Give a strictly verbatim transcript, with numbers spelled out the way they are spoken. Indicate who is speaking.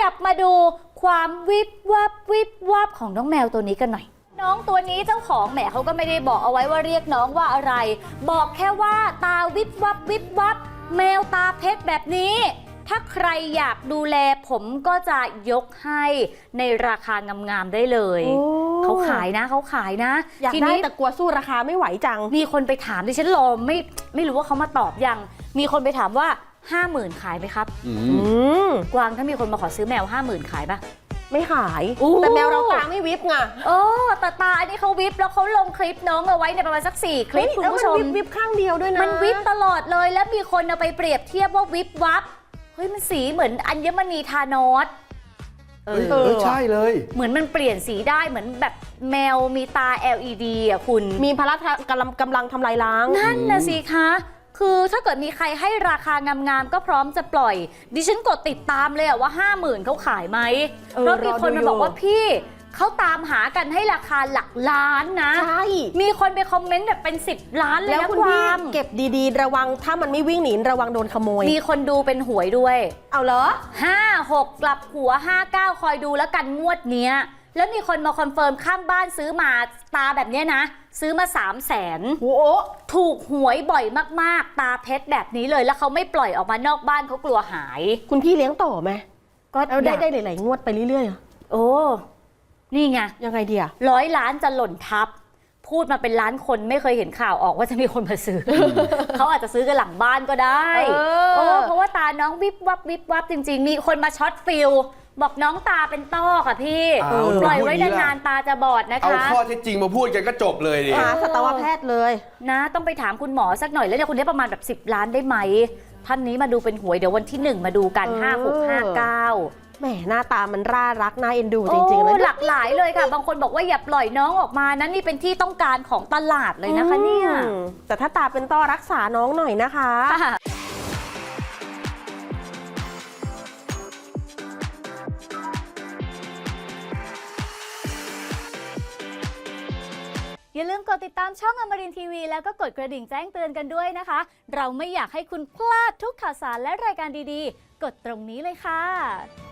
Speaker 1: ยับมาดูความวิบวับวิบวับของน้องแมวตัวนี้กันหน่อยน้องตัวนี้เจ้าของแหมเขาก็ไม่ได้บอกเอาไว้ว่าเรียกน้องว่าอะไรบอกแค่ว่าตาวิบวับวิบวับแมวตาเพชรแบบนี้ถ้าใครอยากดูแลผมก็จะยกให้ในราคางามๆได้เลยเขาขายนะเขาขายนะ
Speaker 2: อยากได้แต่กลัวสู้ราคาไม่ไหวจัง
Speaker 1: มีคนไปถามดิฉันรอไม่ไม่รู้ว่าเขามาตอบยังมีคนไปถามว่าห้าหมื่นขายไหมครับกวางถ้ามีคนมาขอซื้อแมวห้าหมื่นขายปะ
Speaker 2: ไม่ขายแต่แมวเราตาไม่วิบไง
Speaker 1: โอ้แต่ตาอันนี้เขาวิบแล้วเขาลงคลิปน้องเอาไว้ในประมาณสักสี่คลิปคุณผู้ชม
Speaker 2: วิบข้างเดียวด้วยนะ
Speaker 1: มันวิบตลอดเลยแล้วมีคนเอาไปเปรียบเทียบว่าวิบวับเฮ้ยมันสีเหมือนอัญมณีธานอส
Speaker 3: เออใช่เลย
Speaker 1: เหมือนมันเปลี่ยนสีได้เหมือนแบบแมวมีตา แอล อี ดี อ่ะคุณ
Speaker 2: มีพละกำลังกำลังทำลายล้าง
Speaker 1: นั่นนะสิคะคือถ้าเกิดมีใครให้ราคางามๆก็พร้อมจะปล่อยดิฉันกดติดตามเลยอะว่าห้าหมื่นเขาขายไหมเพราะมีคนมาบอกว่าพี่เขาตามหากันให้ราคาหลักล้านนะ
Speaker 2: ใช่
Speaker 1: มีคนไปคอมเมนต์แบบเป็นสิบล้านเลยนะ
Speaker 2: คุณพี่เก็บดีๆระวังถ้ามันไม่วิ่งหนีระวังโดนขโมย
Speaker 1: มีคนดูเป็นหวยด้วย
Speaker 2: เอาเหรอ
Speaker 1: ห้าหกกลับหัวห้าเก้าคอยดูแล้วกันงวดเนี้ยแล้วมีคนมาคอนเฟิร์มข้างบ้านซื้อมาตาแบบนี้นะซื้อมาสามแสน
Speaker 2: โอ้
Speaker 1: ถูกหวยบ่อยมากๆตาเพชรแบบนี้เลยแล้วเขาไม่ปล่อยออกมานอกบ้านเขากลัวหาย
Speaker 2: คุณพี่เลี้ยงต่อไหม
Speaker 1: ก็
Speaker 2: ได้ได้หลายๆงวดไปเรื่อย
Speaker 1: ๆโอ้นี่ไง
Speaker 2: ยังไงดีอะ
Speaker 1: ร้อยล้านจะหล่นทับพูดมาเป็นล้านคนไม่เคยเห็นข่าวออกว่าจะมีคนมาซื้อ เขาอาจจะซื้อกันหลังบ้านก็ได้เออเพราะว่าตาน้องวิบวับวิบวับจริงๆมีคนมาช็อตฟิลบอกน้องตาเป็นต้อค่ะพี่ปล่อยไว้นานๆตาจะบอดนะคะ
Speaker 3: เอาข้อเท็จจริงมาพูดกันก็จบเลยดิ
Speaker 2: หาสัตวแพทย์เลย
Speaker 1: นะต้องไปถามคุณหมอสักหน่อยแล้วเนี่ยคุณได้ประมาณแบบสิบล้านได้ไหมท่านนี้มาดูเป็นหวยเดี๋ยววันที่หนึ่งมาดูกันห้าหกห้าเก้า
Speaker 2: แหมหน้าตามันร่ารักน่าเอ็นดูจริงๆ
Speaker 1: เลยหลากหลายเลยค่ะบางคนบอกว่าอย่าปล่อยน้องออกมานะนี่เป็นที่ต้องการของตลาดเลยนะคะเนี่ย
Speaker 2: แต่ถ้าตาเป็นต้อรักษาน้องหน่อยนะคะ
Speaker 1: อย่าลืมกดติดตามช่องอมรินทร์ทีวีแล้วก็กดกระดิ่งแจ้งเตือนกันด้วยนะคะเราไม่อยากให้คุณพลาดทุกข่าวสารและรายการดีๆกดตรงนี้เลยค่ะ